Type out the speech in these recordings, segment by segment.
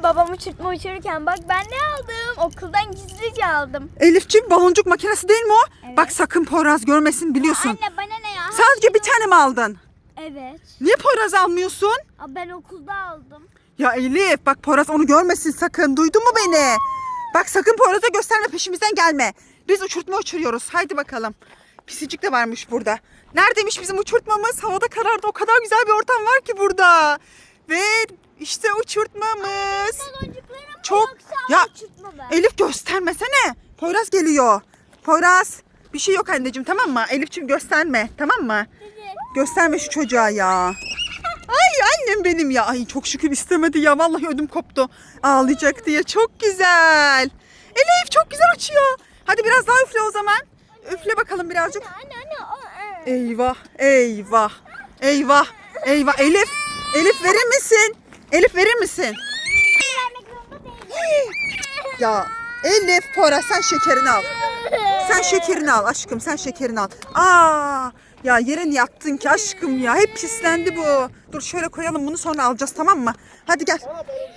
babam uçurtma uçururken bak ben ne aldım? Okuldan gizlice aldım. Elifciğim baloncuk makinesi değil mi o? Evet. Bak sakın Poyraz görmesin biliyorsun. Anne bana ne ya? Sadece bir tane mi aldın? Evet. Niye Poyraz almıyorsun? Ben okulda aldım. Ya Elif bak Poyraz onu görmesin sakın. Duydun mu beni? Bak sakın Poyraz'a gösterme, peşimizden gelme. Biz uçurtma uçuruyoruz. Haydi bakalım. Pisicik de varmış burada. Neredeymiş bizim uçurtmamız? Havada karardı. O kadar güzel bir ortam var ki burada. Ve işte uçurtmamız. Baloncuklarım Çok ya Elif göstermesene. Poyraz geliyor. Poyraz bir şey yok anneciğim, tamam mı? Elifciğim gösterme, tamam mı? Gösterme şu çocuğa ya. Ay annem benim ya. Ay çok şükür istemedi ya. Vallahi ödüm koptu. Ağlayacak diye. Çok güzel. Elif çok güzel uçuyor. Hadi biraz daha üfle o zaman. Üfle bakalım birazcık. Anne. Eyvah, eyvah, eyvah, eyvah. Elif verir misin? Elif verir misin? Vermek zorunda değilim. Ya Elif, Poyraz sen şekerini al. Sen şekerini al aşkım, sen şekerini al. Aa, ya yere niye attın ki aşkım ya? Hep pislendi bu. Dur şöyle koyalım bunu, sonra alacağız, tamam mı? Hadi gel.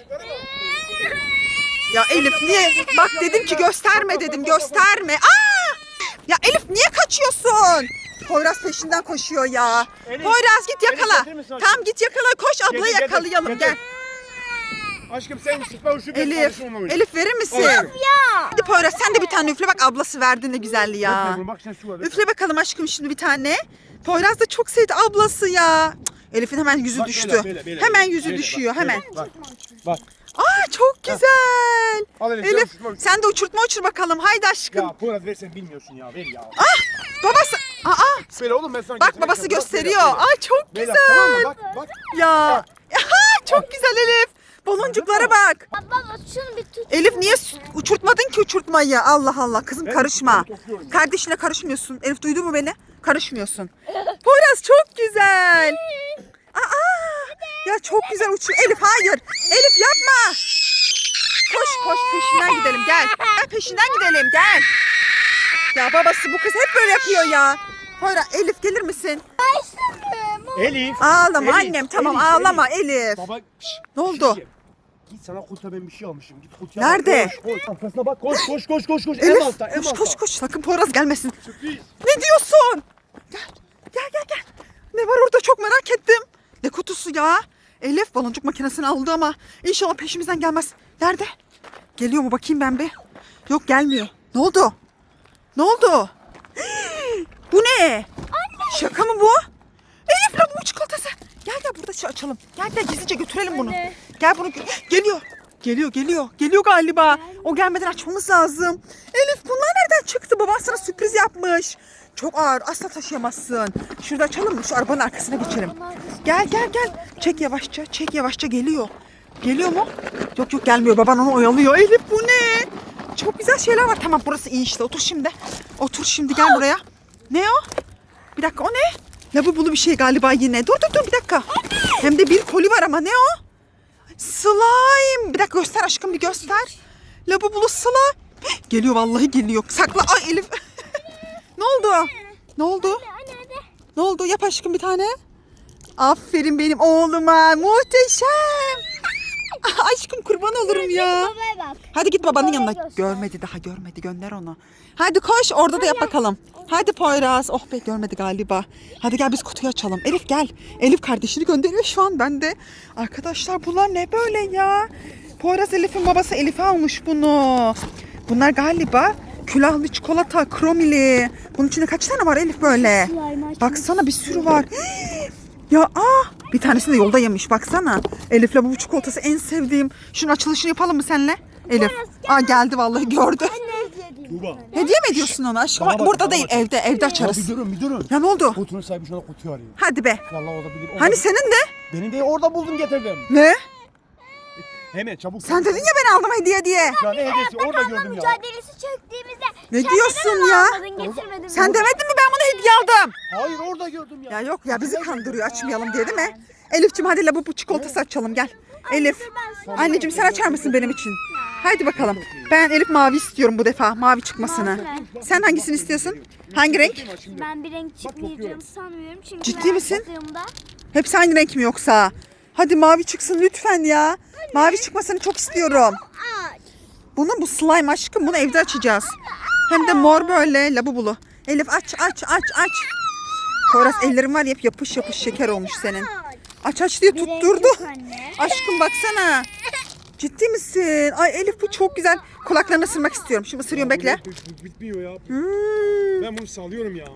Ya Elif niye? Bak dedim ki gösterme dedim, gösterme. Aa! Ya Elif niye kaçıyorsun? Poyraz peşinden koşuyor ya. Elif, Poyraz git yakala. Elif, getirir misin aşkım? Tamam git yakala, koş ablayı Getir, yakalayalım, getir. gel. Aşkım sen sıkma uçu ben Elif, kardeşim onunla oyna. Elif verir misin? Aşkım. Ya. Hadi Poyraz sen de bir tane üfle, bak ablası verdi ne güzelli ya. Bekle, bak sen şu var. Üfle bakalım aşkım şimdi bir tane. Poyraz da çok sevdi ablası ya. Cık, Elif'in hemen yüzü Bak, düştü. böyle, Hemen yüzü böyle, düşüyor bak, hemen. Bak. Aa çok güzel. Al Elif, Elif uçurtma uçur. sen de uçurtma uçur bakalım. Haydi aşkım. Ya Poyraz versen bilmiyorsun ya, ver ya. Babası. Aa Böyle oğlum ben sana bak getireceğim. babası Bak, gösteriyor. böyle, böyle. Ay çok Böyle, güzel. tamam mı? Bak. Ya. Aha, çok güzel Elif. Baloncuklara bak. Baba şunu bir tut. Elif niye uçurtmadın ki uçurtmayı? Allah Allah kızım Ben karışma. topluyorum. Kardeşine karışmıyorsun. Elif duydu mu beni? Karışmıyorsun. Poyraz çok güzel. Aa, ya çok güzel uçuyor. Elif hayır. Elif yapma. Koş peşinden gidelim gel. Gel peşinden gidelim gel. Ya babası bu kız hep böyle yapıyor ya. Poyraz Elif gelir misin? Elif. Ağlama Elif, annem tamam Elif, ağlama Elif. Baba. Ne oldu? Git sana kutuya ben bir şey almışım. Git kutuya Nerede? bak. Koş. Arkasına bak. Koş. En Elif altta. koş sakın Poyraz gelmesin. Sürpriz. Ne diyorsun? Gel. Ne var orada çok merak ettim. Ne kutusu ya? Elif baloncuk makinesini aldı ama inşallah peşimizden gelmez. Nerede? Geliyor mu bakayım ben bir. Yok gelmiyor. Ne oldu? Bu ne? Anne. Şaka mı bu? Elif lan bu çikolatası. Gel burada şey açalım. Gel gizlice götürelim bunu. Anne. Gel bunu geliyor. Geliyor galiba. O gelmeden açmamız lazım. Elif bunlar nereden çıktı? Baban sana sürpriz yapmış. Çok ağır. Asla taşıyamazsın. Şurada açalım mı? Şu arabanın arkasına geçelim. Gel. Çek yavaşça geliyor. Geliyor mu? Yok gelmiyor. Baban onu oyalıyor. Elif bu ne? Çok güzel şeyler var. Tamam burası iyi işte. Otur şimdi gel buraya. Ne o? Bir dakika o ne? Lavabolu bir şey galiba yine. Dur bir dakika. Hem de bir koli var ama ne o? Slime. Bir dakika göster aşkım bir göster. Lavabolu slime. Geliyor vallahi geliyor. Sakla. Ay Elif. Ne oldu? Ne oldu? Yap aşkım bir tane. Aferin benim oğluma. Muhteşem. Aşkım kurban olurum ya. Babaya bak. Hadi git babanın Babaya yanına. göster. Görmedi. Gönder onu. Hadi koş orada da yap bakalım. Hadi Poyraz. Oh be görmedi galiba. Hadi gel biz kutuyu açalım. Elif gel. Elif kardeşini gönderiyor şu an ben de. Arkadaşlar bunlar ne böyle ya? Poyraz Elif'in babası Elif'e almış bunu. Bunlar galiba külahlı çikolata, kromili. Bunun içinde kaç tane var Elif böyle? Slime açmış. Baksana bir sürü var. Ya bir tanesini de yolda yemiş baksana. Elif'le bu çikolatası en sevdiğim. Şunun açılışını yapalım mı seninle? Elif. Geldi vallahi gördü. Tuğba. Hediye mi ediyorsun ona aşkım? Bana bak, Burada bana değil bak. evde Ya açarız. bir durun. Ya ne oldu? Kutunun sahibi şu an kutuyu arıyor. Hadi be. Vallahi o da bilir. Hani senin de? Beni de orada buldum getirdim. Ne? Hemen çabuk. Sen dedin ya ben aldım hediye diye. Ya ne hediyesi orada gördüm ya. Mücadelesi çöktüğümüzde. Ne sen diyorsun neden ya? almadın, getirmedin Sen mi? demedin mi ben bunu hediye aldım? Hayır orada gördüm ya. Ya yok ya bizi kandırıyor açmayalım diye değil mi? Elif'ciğim hadi bu çikolatası açalım gel. Elif. Anneciğim sen açar mısın benim için? Haydi bakalım. Ben Elif mavi istiyorum bu defa. Mavi çıkmasını. Sen hangisini istiyorsun? Hangi renk? Ben bir renk çıkmayacağını sanmıyorum çünkü Ciddi ben misin? baktığımda Hepsi aynı renk mi yoksa? Hadi mavi çıksın lütfen ya. Mavi çıkmasını çok istiyorum. Bu slime aşkım. Bunu evde açacağız. Hem de mor böyle labubulu. Elif aç. Poyraz ellerin var ya hep yapış yapış şeker olmuş senin. Aç diye tutturdu. Aşkım baksana. Ciddi misin? Ay Elif bu çok güzel. Kulaklarını ısırmak istiyorum. Şimdi ısırıyorum bekle. Bitmiyor ya. Ben bunu sallıyorum ya.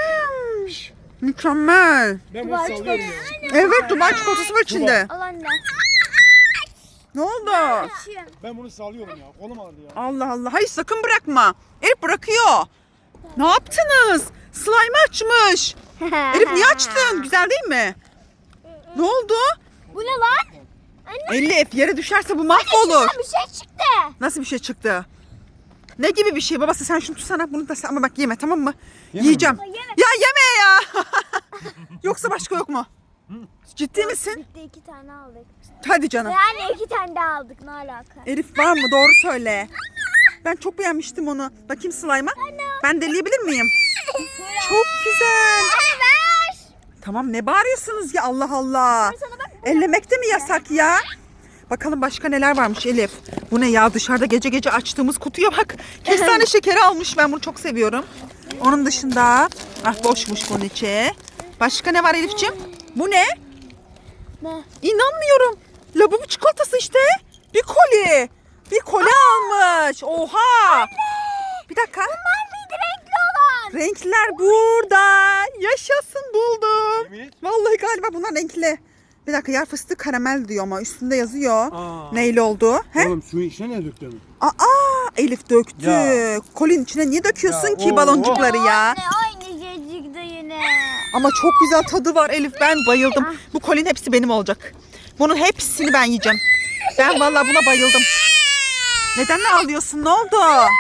Mükemmel. Ben bunu sallıyorum ya. Evet Dubai çikolatası var içinde. Al anne. Ne oldu? Ben bunu sallıyorum ya. Kolum ağrıdı ya. Allah Allah. Hayır sakın bırakma. Elif bırakıyor. Ne yaptınız? Slime açmış. Elif niye açtın? Güzel değil mi? Ne oldu? Bu ne lan? Elif yere düşerse bu mahvolur. Bir şey çıktı. Nasıl bir şey çıktı? Ne gibi bir şey? Babası sen şunu tutsana. Bunu da sen ama bak yeme tamam mı? Yeme Yiyeceğim. Yeme. Ya yeme ya. Yoksa başka yok mu? Ciddi misin? Bitti 2 tane aldık. Hadi canım. Yani 2 tane daha aldık ne alaka? Elif var mı? Doğru söyle. Ben çok beğenmiştim onu. Bakayım slime'a. Ben deleyebilir miyim? Çok güzel. Anne ver. Tamam ne bağırıyorsunuz ya Allah Allah. Sana bak. Ellemek de mi yasak ya? Bakalım başka neler varmış Elif. Bu ne ya dışarıda gece gece açtığımız kutuya bak. Kestane şekeri almış ben bunu çok seviyorum. Onun dışında boşmuş bunun içi. Başka ne var Elif'ciğim? Bu ne? Ne? İnanmıyorum. Labubu çikolatası işte. Bir koli. Bir koli almış. Oha. Bir dakika. Bunlar mıydı renkli olan? Renkler burada. Yaşasın buldum. Yemin et. Vallahi galiba bunlar renkli. Bir dakika yer fıstığı karamel diyor ama üstünde yazıyor. Aa. Neyle oldu? He? Oğlum suyun içine ne döktün? Aa Elif döktü. Ya. Kolin içine niye döküyorsun Ya, ki oo. baloncukları ya? Anne aynı şey çıktı yine. Ama çok güzel tadı var Elif. Ben bayıldım. Bu kolin hepsi benim olacak. Bunun hepsini ben yiyeceğim. Ben vallahi buna bayıldım. Neden ne ağlıyorsun? Ne oldu?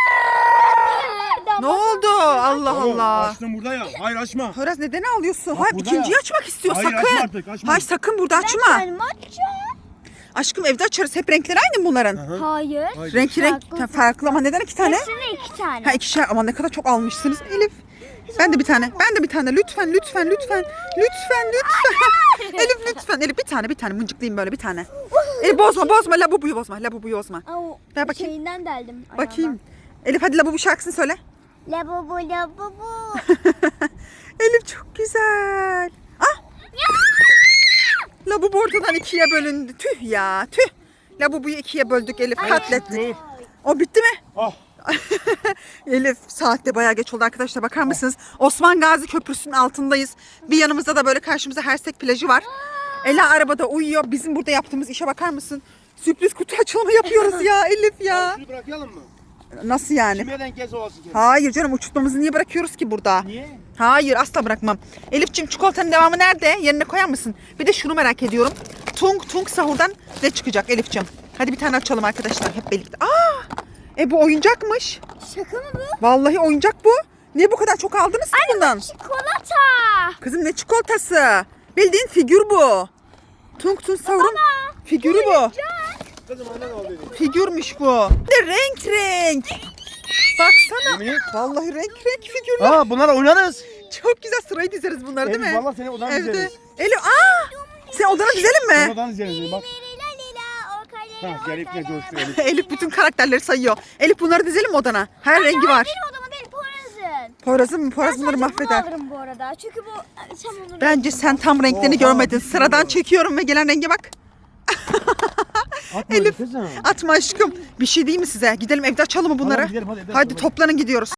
Ne oldu? Allah Oğlum, Allah. açtım burada ya. Hayır açma. Poyraz neden ağlıyorsun? Bak Hayır burada ikinciyi ya. açmak istiyor Hayır, sakın. açma artık, açma. Hayır sakın burada açma. Ben açacağım. Aşkım evde açarız. Hep renkleri aynı mı bunların? Hayır. Renk Farklı. farklı ama neden iki tane? Hepsine 2 tane. Ha ikişer ama ne kadar çok almışsınız Elif. Ben de bir tane. Lütfen. Elif lütfen. Elif bir tane mıncıklayayım böyle bir tane. Elif bozma. Labubuyu bozma. Au, Ver bakayım. Şeyinden deldim. Bakayım. Elif hadi labubu şarkısını söyle. Labubu. Elif çok güzel. Ah. Labubu ortadan ikiye bölündü. Tüh ya tüh. Labubuyu ikiye böldük Elif katlettik. O bitti mi? Ah. Elif saatte bayağı geç oldu arkadaşlar bakar mısınız? Osman Gazi Köprüsü'nün altındayız. Bir yanımızda da böyle karşımıza Hersek plajı var. Ela arabada uyuyor. Bizim burada yaptığımız işe bakar mısın? Sürpriz kutu açılımı yapıyoruz ya Elif ya. Şunu bırakalım mı? Nasıl yani? Kime denk gelse olsun. Hayır canım uçurtmamızı niye bırakıyoruz ki burada? Niye? Hayır asla bırakmam. Elif'ciğim çikolatanın devamı nerede? Yerine koyar mısın? Bir de şunu merak ediyorum. Tung sahurdan ne çıkacak Elif'ciğim? Hadi bir tane açalım arkadaşlar hep birlikte. Bu oyuncakmış. Şaka mı bu? Vallahi oyuncak bu. Niye bu kadar çok aldınız ki bundan? Çikolata. Kızım ne çikolatası? Bildiğin figür bu. Tung sahurun figürü bu. Kızım annen al dedi. Figürmüş bu. Bir de renk. Baksana. Yemin et. Vallahi renk figürler. Aa bunlarla oynarız. Çok güzel sırayı dizeriz bunları değil mi? Elif valla seni odan Evde. dizeriz. Elif sen odana dizelim mi? Odan dizeriz bak. Ha gelip ne coştu Elif. Elif bütün karakterleri sayıyor. Elif bunları dizelim mi odana? Her rengi var. Benim odama değil Poyraz'ın. Poyraz'ın mı? Poyraz bunları Sadece bunu mahveder. alırım bu arada. Çünkü bu sen bunu Bence sen tam renklerini Oha, görmedin. bir sürü Sıradan var. çekiyorum ve gelen renge bak. Atma Elif. kızım. Atma aşkım. Bir şey değil mi size? Gidelim evde açalım mı bunları? Tamam, gidelim, hadi evde Hadi açalım. toplanın gidiyoruz.